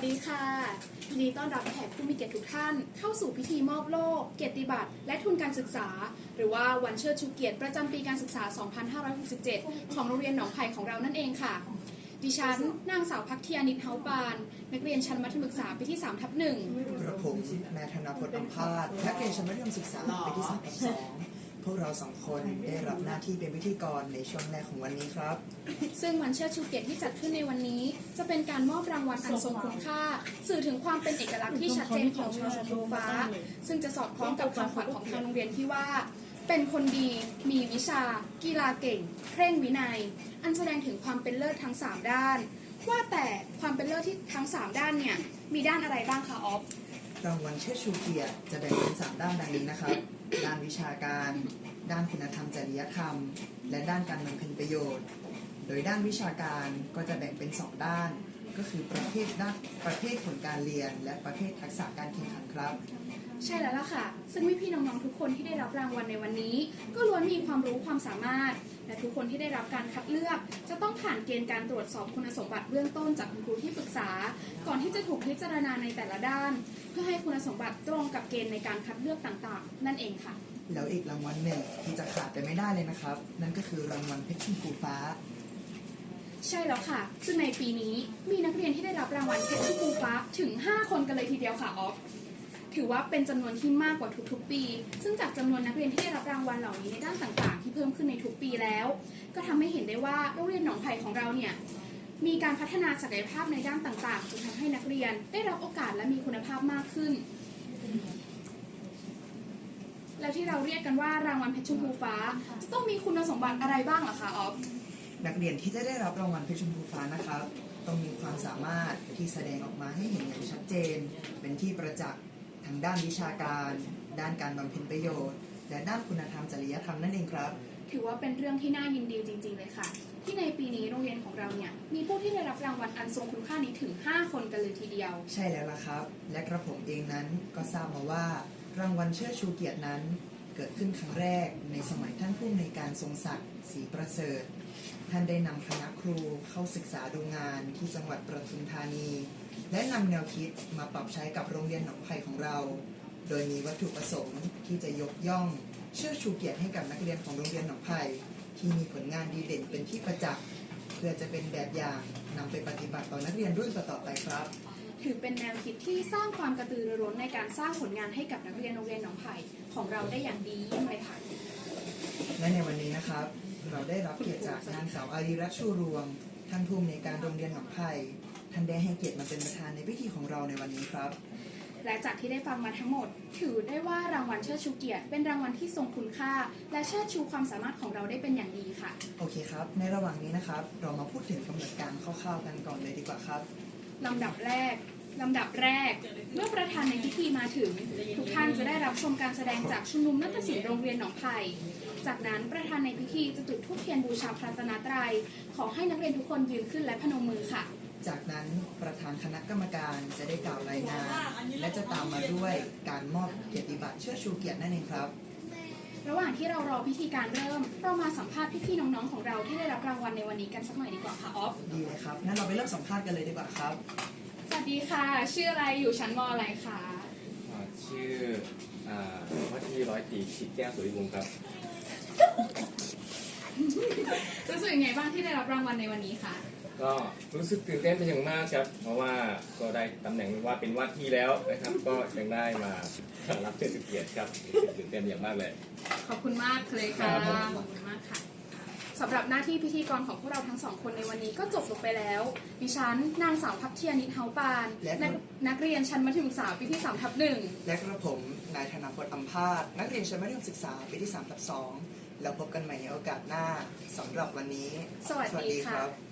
ดีค่ะยินดีต้อนรับแขกผู้มีเกียรติทุกท่านเข้าสู่พิธีมอบโล่เกียรติบัตรและทุนการศึกษาหรือว่าวันเชิดชูเกียรติประจำปีการศึกษา 2567 ของโรงเรียนหนองไผ่ของเรานั่นเองค่ะดิฉันนางสาวพักเทียนิตเฮาปานนักเรียนชั้นมัธยมศึกษาปีที่ 3/1 กระผมนายธนพจน์อัมพาสนักเรียนชั้นมัธยมศึกษาปีที่ 3/2 พวกเราสองคนได้รับหน้าที่เป็นพิธีกรในช่วงแรกของวันนี้ครับซึ่งวันเชิดชูเกียรติที่จัดขึ้นในวันนี้จะเป็นการมอบรางวัลอันทรงคุณค่าสื่อถึงความเป็นเอกลักษณ์ที่ชัดเจนของชอชมพูฟ้าซึ่งจะสอดคล้องกับคำขวัญของทางโรงเรียนที่ว่าเป็นคนดีมีวิชากีฬาเก่งเคร่งวินัยอันแสดงถึงความเป็นเลิศทั้ง3ด้านว่าแต่ความเป็นเลิศที่ทั้ง3ด้านเนี่ยมีด้านอะไรบ้างคะออฟรางวัลเชิดชูเกียรติจะแบ่งเป็น3ด้านดังนี้นะครับด้านวิชาการด้านคุณธรรมจริยธรรมและด้านการบำเพ็ญประโยชน์โดยด้านวิชาการก็จะแบ่งเป็น2ด้านก็คือประเภทผลการเรียนและประเภททักษะการแข่งขันครับใช่แล้วล่ะค่ะซึ่งพี่น้องๆทุกคนที่ได้รับรางวัลในวันนี้ก็ล้วนมีความรู้ความสามารถและทุกคนที่ได้รับการคัดเลือกจะต้องผ่านเกณฑ์การตรวจสอบคุณสมบัติเบื้องต้นจากคุณครูที่ปรึกษาก่อนที่จะถูกพิจารณาในแต่ละด้านเพื่อให้คุณสมบัติตรงกับเกณฑ์ในการคัดเลือกต่างๆนั่นเองค่ะแล้วอีกรางวัลหนึ่งที่จะขาดไปไม่ได้เลยนะครับนั่นก็คือรางวัลเพชรชมพูฟ้าใช่แล้วค่ะซึ่งในปีนี้มีนักเรียนที่ได้รับรางวัลเพชรชมพูฟ้าถึง5คนกันเลยทีเดียวค่ะออฟถือว่าเป็นจำนวนที่มากกว่าทุกๆปีซึ่งจากจำนวนนักเรียนที่ได้รับรางวัลเหล่านี้ในด้านต่างๆที่เพิ่มขึ้นในทุกปีแล้วก็ทำให้เห็นได้ว่าโรงเรียนหนองไผ่ของเราเนี่ยมีการพัฒนาศักยภาพในด้านต่างๆจนทำให้นักเรียนได้รับโอกาสและมีคุณภาพมากขึ้นแล้วที่เราเรียกกันว่ารางวัลเพชรชมพูฟ้าจะต้องมีคุณสมบัติอะไรบ้างล่ะคะออฟนักเรียนที่จะได้รับรางวัลเพชรชมพูฟ้านะครับต้องมีความสามารถที่แสดงออกมาให้เห็นอย่างชัดเจนเป็นที่ประจักษ์ทางด้านวิชาการด้านการบำเพ็ญประโยชน์และด้านคุณธรรมจริยธรรมนั่นเองครับถือว่าเป็นเรื่องที่น่ายินดีจริงๆเลยค่ะที่ในปีนี้โรงเรียนของเราเนี่ยมีผู้ที่ได้รับรางวัลอันทรงคุณค่านี้ถึง5คนกันเลยทีเดียวใช่แล้วล่ะครับและกระผมเองนั้นก็ทราบมาว่ารางวัลเชิดชูเกียรตินั้นเกิดขึ้นครั้งแรกในสมัยท่านผู้อำนวยการทรงศักดิ์ศรีประเสริฐท่านได้นำคณะครูเข้าศึกษาดูงานที่จังหวัดปทุมธานีและนำแนวคิดมาปรับใช้กับโรงเรียนหนองไผ่ของเราโดยมีวัตถุประสงค์ที่จะยกย่องเชิดชูเกียรติให้กับนักเรียนของโรงเรียนหนองไผ่ที่มีผลงานดีเด่นเป็นที่ประจักษ์เพื่อจะเป็นแบบอย่างนำไปปฏิบัติต่อนักเรียนรุ่นต่อๆไปครับถือเป็นแนวคิดที่สร้างความกระตือรือร้นในการสร้างผลงานให้กับนักเรียนโรงเรียนหนองไผ่ของเราได้อย่างดีเยี่ยมเลยค่ะและในวันนี้นะครับเราได้รับเกียรติจากนางสาวอารีรัตน์ชูรวงท่านผู้อำนวยการโรงเรียนหนองไผ่ท่านได้ให้เกียรติมาเป็นประธานในพิธีของเราในวันนี้ครับและจากที่ได้ฟังมาทั้งหมดถือได้ว่ารางวัลเชิดชูเกียรติเป็นรางวัลที่ทรงคุณค่าและเชิดชูความสามารถของเราได้เป็นอย่างดีค่ะโอเคครับในระหว่างนี้นะครับเรามาพูดถึงกำหนดการคร่าวๆกันก่อนเลยดีกว่าครับลำดับแรกเมื่อประธานในพิธีมาถึงทุกท่านจะได้รับชมการแสดงจากชุมนุมนาฏศิลป์โรงเรียนหนองไผ่จากนั้นประธานในพิธีจะจุดธูปเทียนบูชาพระรัตนตรัยขอให้นักเรียนทุกคนยืนขึ้นและพนมมือค่ะจากนั้นประธานคณะกรรมการจะได้กล่าวรายงานและจะตามมาด้วยการมอบเกียรติบัตรเชิดชูเกียรตินั่นเองครับระหว่างที่เรารอพิธีการเริ่มเรามาสัมภาษณ์พี่ๆน้องๆของเราที่ได้รับรางวัลในวันนี้กันสักหน่อยดีกว่าค่ะออฟดีเลยครับงั้นเราไปเริ่มสัมภาษณ์กันเลยดีกว่าครับสวัสดีค่ะชื่ออะไรอยู่ชั้นม.อะไรคะชื่อว่าที่ร้อยตรีชิดแก้วสุริวงศ์ครับรู้สึกยังไงบ้างที่ได้รับรางวัลในวันนี้คะก็รู้สึกตื่นเต้นเป็นอย่างมากครับเพราะว่าก็ได้ตำแหน่งว่าเป็นว่าที่แล้วนะครับก็ยังได้มารับเชิดชูเกียรติครับตื่นเต้นอย่างมากเลยขอบคุณมากเลยค่ะขอบคุณมากค่ะสำหรับหน้าที่พิธีกรของพวกเราทั้งสองคนในวันนี้ก็จบลงไปแล้วดิฉันนางสาวพักเทียนิตเฮาปานนักเรียนชั้นมัธยมศึกษาปีที่ 3/1 และกระผมนายธนพจน์อัมพาสนักเรียนชั้นมัธยมศึกษาปีที่ 3/2 แล้วพบกันใหม่ในโอกาสหน้าสำหรับวันนี้สวัสดีครับ